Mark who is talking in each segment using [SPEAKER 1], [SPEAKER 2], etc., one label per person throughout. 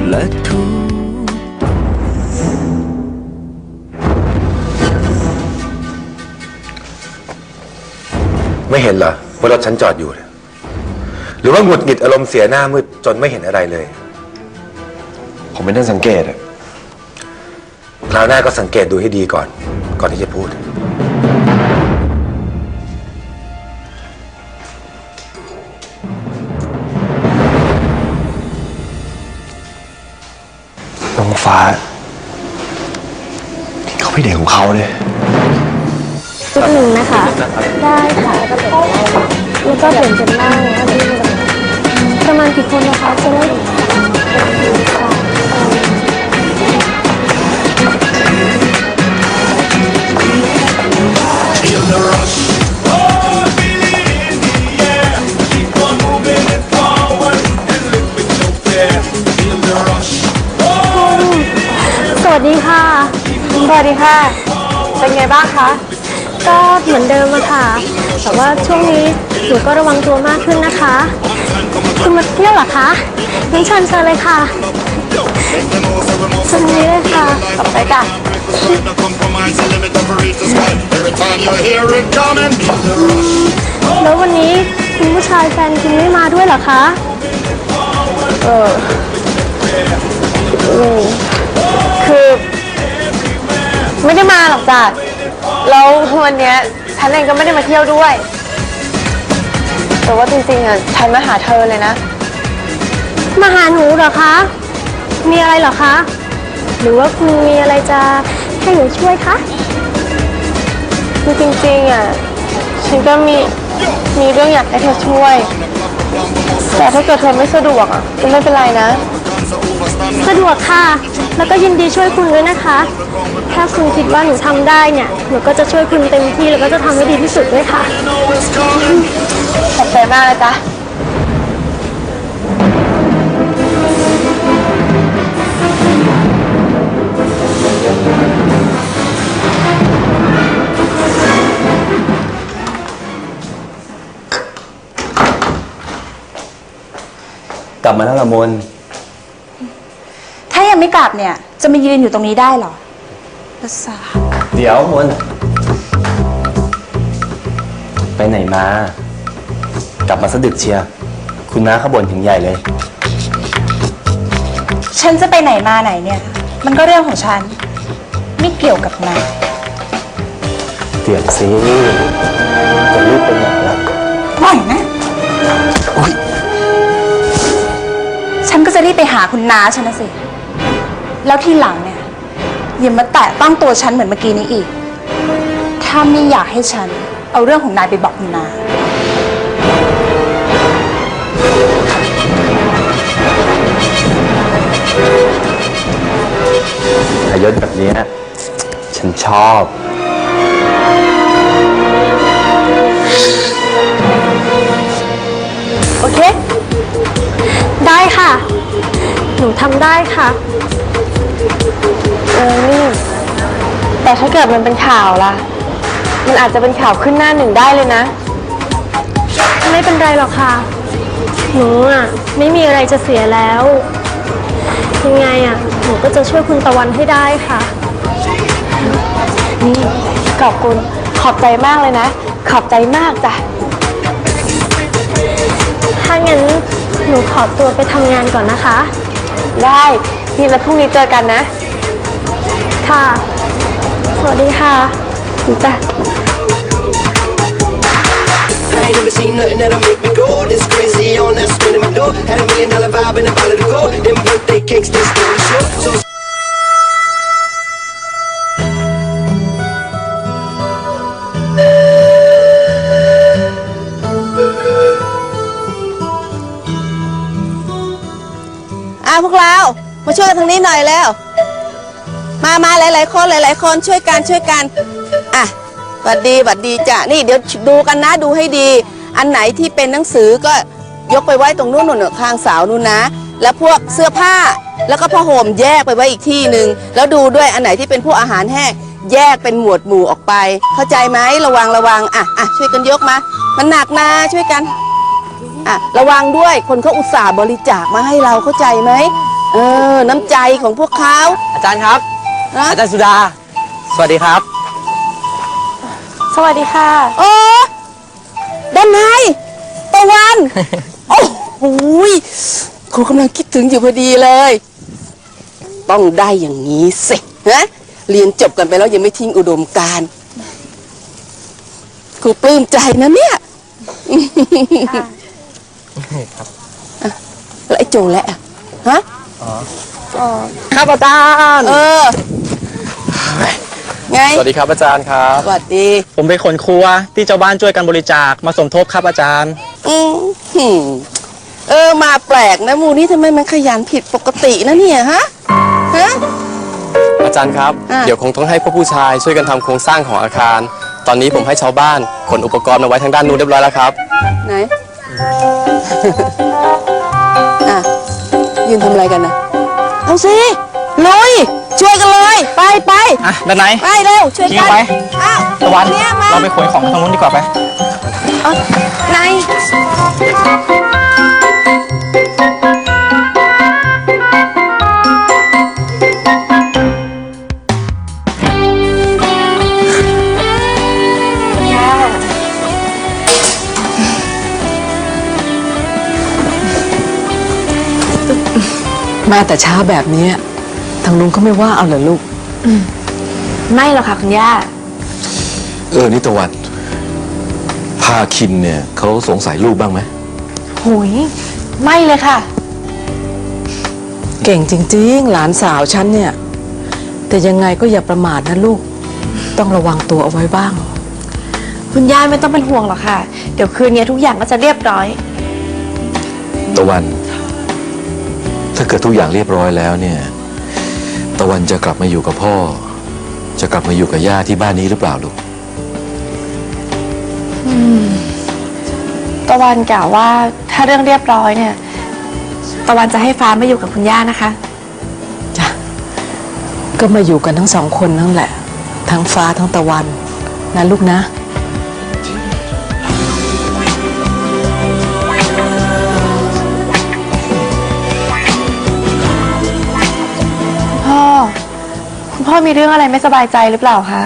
[SPEAKER 1] และทุก
[SPEAKER 2] ไม่เห็นเหรอว่ารถฉันจอดอยู่หรือว่าหงุดหงิดอารมณ์เสียหน้ามืดจนไม่เห็นอะไรเลย
[SPEAKER 3] ผมไม่ได้สังเกตอะ
[SPEAKER 2] คราวหน้าก็สังเกตดูให้ดีก่อนที่จะพูด
[SPEAKER 3] น้องฟ้าเขาพี่เด็กของเขาเลย
[SPEAKER 4] จุดหนึ่งนะคะได้ค่ะแล้วก็เปลี่ยนเป็นนั่งประมาณกี่คนนะคะจะได้สวัสดีค่ะสวัสดีค่ะเป็นไงบ้างคะก็เหมือนเดิมอะค่ะแต่ว่าช่วงนี้หนูก็ระวังตัวมากขึ้นนะคะคุณมาเที่ยวเหรอคะงั้นเชิญเลยค่ะตรงนี้เลยค่ะต่อไปค่ะแล้ววันนี้คุณผู้ชายแฟนคุณไม่มาด้วยเหรอคะ
[SPEAKER 5] คือไม่ได้มาหรอกจ้ะแล้ววันนี้ฉันเองก็ไม่ได้มาเที่ยวด้วยแต่ว่าจริงๆอ่ะฉันมาหาเธอเลยนะ
[SPEAKER 4] มาหาหนูเหรอคะมีอะไรเหรอคะหรือว่าคุณมีอะไรจะให้หนูช่วยคะ
[SPEAKER 5] คือจริงๆอ่ะฉันก็มีเรื่องอยากให้เธอช่วยแต่ถ้าเกิดเธอไม่สะดวกอ่ะก็ไม่เป็นไรนะ
[SPEAKER 4] สะดวกค่ะแล้วก็ยินดีช่วยคุณด้วยนะคะถ้าคุณคิดว่าหนูทำได้เนี่ยหนูก็จะช่วยคุณเต็มที่แล้วก็จะทำให้ดีที่สุดด้วยค่ะ
[SPEAKER 5] ขอบใจมากเลยจ้ะ
[SPEAKER 3] กลับมาแล้วละมน
[SPEAKER 6] ถ้ายังไม่กลับเนี่ยจะมายืนอยู่ตรงนี้ได้หรอประสาท
[SPEAKER 3] เดี๋ยวมนไปไหนมากลับมาสะดึกเชียร์คุณน้าเขาบ่นถึงใหญ่เลย
[SPEAKER 6] ฉันจะไปไหนมาไหนเนี่ยมันก็เรื่องของฉันไม่เกี่ยวกับนาย
[SPEAKER 3] เดี๋ยวสิจะรีบไปไหนล่ะ
[SPEAKER 6] ปล่อยนะฉันก็จะรีบไปหาคุณน้าฉันนะสิแล้วทีหลังเนี่ยอย่ามาแตะต้องตัวฉันเหมือนเมื่อกี้นี้อีกถ้าไม่อยากให้ฉันเอาเรื่องของนายไปบอกคุณน้า
[SPEAKER 3] อายศแบบนี้ฉันชอบ
[SPEAKER 4] โอเคได้ค่ะหนูทำได้ค่ะ
[SPEAKER 5] นี่แต่ถ้าเกิดมันเป็นข่าวล่ะมันอาจจะเป็นข่าวขึ้นหน้าหนึ่งได้เลยนะ
[SPEAKER 4] ไม่เป็นไรหรอกค่ะหนูอ่ะไม่มีอะไรจะเสียแล้วยังไงอ่ะหนูก็จะช่วยคุณตะวันให้ได้ค่ะ
[SPEAKER 5] นี่ขอบคุณขอบใจมากเลยนะขอบใจมากจ้ะ
[SPEAKER 4] ถ้างั้นหนูขอตัวไปทำงานก่อนนะคะ
[SPEAKER 5] ได้นี่แล้วพรุ่งนี้เจอกันนะ
[SPEAKER 4] ค่ะสวัสดีค่ะ
[SPEAKER 5] จ้ะ
[SPEAKER 1] Never seen nothing that'll make me go this crazy on that spin in my door. Had $1 million vibe and a bottle to go. Them birthday cakes, they stole the show. So
[SPEAKER 7] พวกเรามาช่วยกันทางนี้หน่อยแล้วมาหลายๆคนช่วยกันอ่ะหวัดดีจ้ะนี่เดี๋ยวดูกันนะดูให้ดีอันไหนที่เป็นหนังสือก็ยกไปไว้ตรงนู้นข้างเสานู่นนะแล้วพวกเสื้อผ้าแล้วก็ผ้าห่มแยกไปไว้อีกที่หนึ่งแล้วดูด้วยอันไหนที่เป็นพวกอาหารแห้งแยกเป็นหมวดหมู่ออกไปเข้าใจไหมระวังอ่ะช่วยกันยกมามันหนักนะช่วยกันระวังด้วยคนเขาอุตส่าห์บริจาคมาให้เราเข้าใจไหมน้ำใจของพวกเขา
[SPEAKER 3] อาจารย์ครับ
[SPEAKER 7] นะ
[SPEAKER 3] อาจารย์สุดา สวัสดีครับ
[SPEAKER 4] สวัสดีค่ะ
[SPEAKER 7] โอ้ด้านในตะวัน โอ้โหยครูกำลังคิดถึงอยู่พอดีเลย ต้องได้อย่างนี้สินะเรียนจบกันไปแล้วยังไม่ทิ้งอุดมการณ์ครูปลื้มใจนะเนี่ยแล้วไอ้โจแหละฮะ
[SPEAKER 3] ครับอาจารย์
[SPEAKER 7] ไง
[SPEAKER 3] สวัสดีครับอาจารย์ครับ
[SPEAKER 7] สวัสดี
[SPEAKER 3] ผมเป็นคนครัวที่ชาวบ้านช่วยกันบริจาคมาสมทบครับอาจารย์
[SPEAKER 7] หืมมาแปลกนะหมูนี่ทำไมมันขยันผิดปกตินะเนี่ยฮะ
[SPEAKER 8] อาจารย์ครับ
[SPEAKER 7] อ่ะ
[SPEAKER 8] เดี๋ยวคงต้องให้พวกผู้ชายช่วยกันทำโครงสร้างของอาคาร ตอนนี้ผมให้ชาวบ้านขนอุปกรณ์มาไว้ทางด้านนู้นเรียบร้อยแล้วครับ
[SPEAKER 7] ไหน อ่ะ ยืนทำอะไรกันนะ เอาสิ ลุย ช่วยกันเลย ไปไป
[SPEAKER 3] อ่ะ ด้านไหน
[SPEAKER 7] ไปเร็ว ช่วย
[SPEAKER 3] ยิ
[SPEAKER 7] กั
[SPEAKER 3] ง
[SPEAKER 7] น
[SPEAKER 3] ไป
[SPEAKER 7] อ้าว
[SPEAKER 3] ตะวัน
[SPEAKER 7] เนี่ยมา
[SPEAKER 3] เราไปขนของกันทางนู้นดีกว่าไป
[SPEAKER 7] เอาไหน
[SPEAKER 9] มาแต่เช้าแบบนี้ทางลุงก็ไม่ว่าเอาเหรอลูก
[SPEAKER 5] ไม่หรอกค่ะคุณย่า
[SPEAKER 10] นี่ตะวันพาคินเนี่ยเขาสงสัยลูกบ้างไหม
[SPEAKER 5] หุยไม่เลยค่ะ
[SPEAKER 9] เก่งจริงๆ หลานสาวฉันเนี่ย แต่ยังไงก็อย่าประมาทนะลูก ต้องระวังตัวเอาไว้บ้าง
[SPEAKER 5] คุณย่าไม่ต้องเป็นห่วงหรอกค่ะ เดี๋ยวคืนนี้ทุกอย่างก็จะเรียบร้อย
[SPEAKER 10] ตะวัน ถ้าเกิดทุกอย่างเรียบร้อยแล้วเนี่ย ตะวันจะกลับมาอยู่กับพ่อ จะกลับมาอยู่กับย่าที่บ้านนี้หรือเปล่าลูก
[SPEAKER 5] ตะวันกล่าวว่าถ้าเรื่องเรียบร้อยเนี่ย ตะวันจะให้ฟ้ามาอยู่กับคุณย่านะคะ
[SPEAKER 9] จ้ะ ก็มาอยู่กันทั้งสองคนนั่นแหละ ทั้งฟ้าทั้งตะวันนะลูกนะ
[SPEAKER 5] คุณพ่อมีเรื่องอะไรไม่สบายใจหรือเปล่าคะ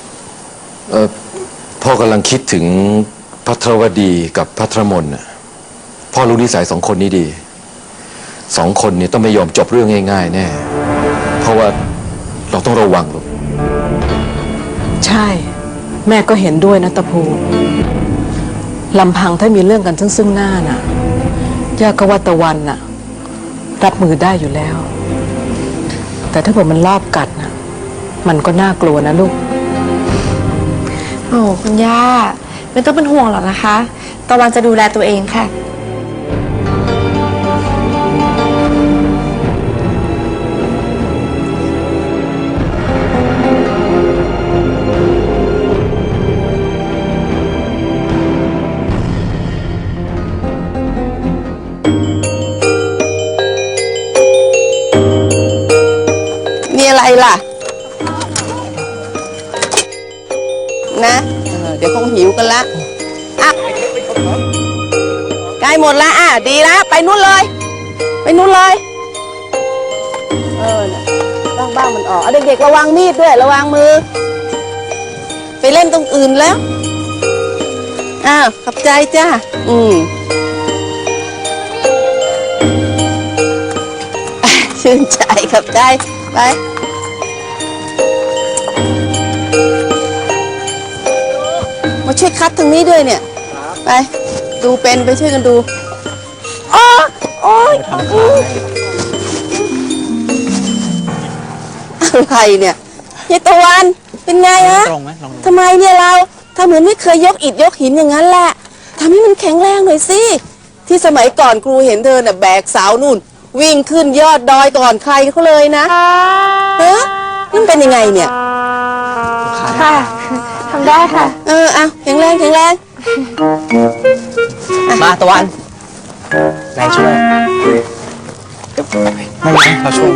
[SPEAKER 10] พ่อกำลังคิดถึงพัทรวดีกับพัทรมนน่ะพ่อรู้นิสัยสองคนนี้ดีสองคนนี้ต้องไม่ยอมจบเรื่องง่ายๆแน่เพราะว่าเราต้องระวังลูก
[SPEAKER 9] ใช่ แม่ก็เห็นด้วยนะตะพูลำพังถ้ามีเรื่องกันซึ่งหน้าน่ะย่าก็ว่าตะวันน่ะ รับมือได้อยู่แล้ว แต่ถ้าเผื่อมันรอบกัดน่ะ มันก็น่ากลัวนะลูก
[SPEAKER 5] โอ้คุณย่าไม่ต้องเป็นห่วงหรอกนะคะ ตะวันจะดูแลตัวเองค่ะ
[SPEAKER 7] มีอะไรล่ะ นะเดี๋ยวคงหิวกันละอ่ะใกล้หมดละดีแล้วไปนู่นเลย ไปนู่นเลยน่ะบ้างมันออกเอาเด็กๆระวังมีดด้วยระวังมือ ไปเล่นตรงอื่นแล้วขอบใจจ้าชื่นใจขอบใจไปมาช่วยคัดทางนี้ด้วยเนี่ยไปดูเป็นไปช่วยกันดูโอ๊ยอะไรเนี่ยยายตะวันเป็นไงฮะทำไมเนี่ยเราทำเหมือนไม่เคยยกอิฐยกหินอย่างนั้นแหละทำให้มันแข็งแรงหน่อยสิที่สมัยก่อนครูเห็นเธอน่ะแบกเสานู่นวิ่งขึ้นยอดดอยก่อนใครเขาเลยนะนั่นเป็นยังไงเนี่ย
[SPEAKER 5] ค่ะทำได้ค่ะ
[SPEAKER 7] เอาแข็งแรงแข็งแรง
[SPEAKER 3] มาตะวันไหนช่วยไม่เป็นไรเราช่วย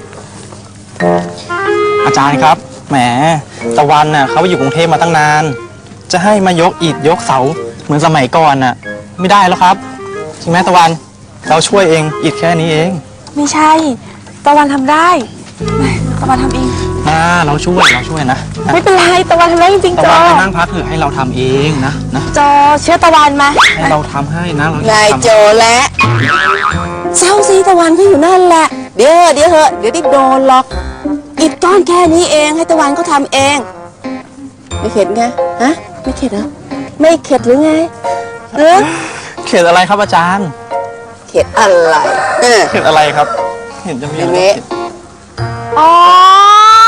[SPEAKER 3] อาจารย์ครับ แหม ตะวันน่ะเขาไปอยู่กรุงเทพมาตั้งนาน จะให้มายกอิฐยกเสาเหมือนสมัยก่อนน่ะ ไม่ได้แล้วครับ จริงไหมตะวัน เราช่วยเองอิฐแค่นี้เอง
[SPEAKER 5] ไม่ใช่ตะวันทำได้ตะวันทำเอง
[SPEAKER 3] เราช่วยนะ
[SPEAKER 5] ไม่เป็นไรตะวันทำได้จริงๆ
[SPEAKER 3] ตะ
[SPEAKER 5] จ
[SPEAKER 3] วั
[SPEAKER 5] อน
[SPEAKER 3] ไปนั่งพักเถอะให้เราทำเองนะ
[SPEAKER 5] จอเชื่อตะวันมา
[SPEAKER 3] ให้เราทำให้นะเรา
[SPEAKER 7] นายโจและเศร้าซีตะวันก็อยู่นั่นแหละ เดี๋ยวเหอะเดี๋ยวได้โดนหรอกอิฐก้อนแค่นี้เองให้ตะวันก็ทำเอง ไม่เข็ดไงฮะไม่เข็ดเหรอไม่เข็ดหรือไง
[SPEAKER 3] เข็ดอะไรครับอาจารย์
[SPEAKER 7] เข็ดอะไร
[SPEAKER 3] เข็ดอะไรครับ เห็นจะมี
[SPEAKER 7] อ
[SPEAKER 3] อะ
[SPEAKER 7] ย่าง
[SPEAKER 3] ไร
[SPEAKER 7] นี้
[SPEAKER 4] อ๋อ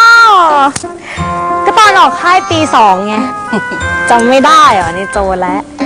[SPEAKER 4] ก็ตอนออกค่ายปี 2ไง จำไม่ได้เหรอนี่โจและ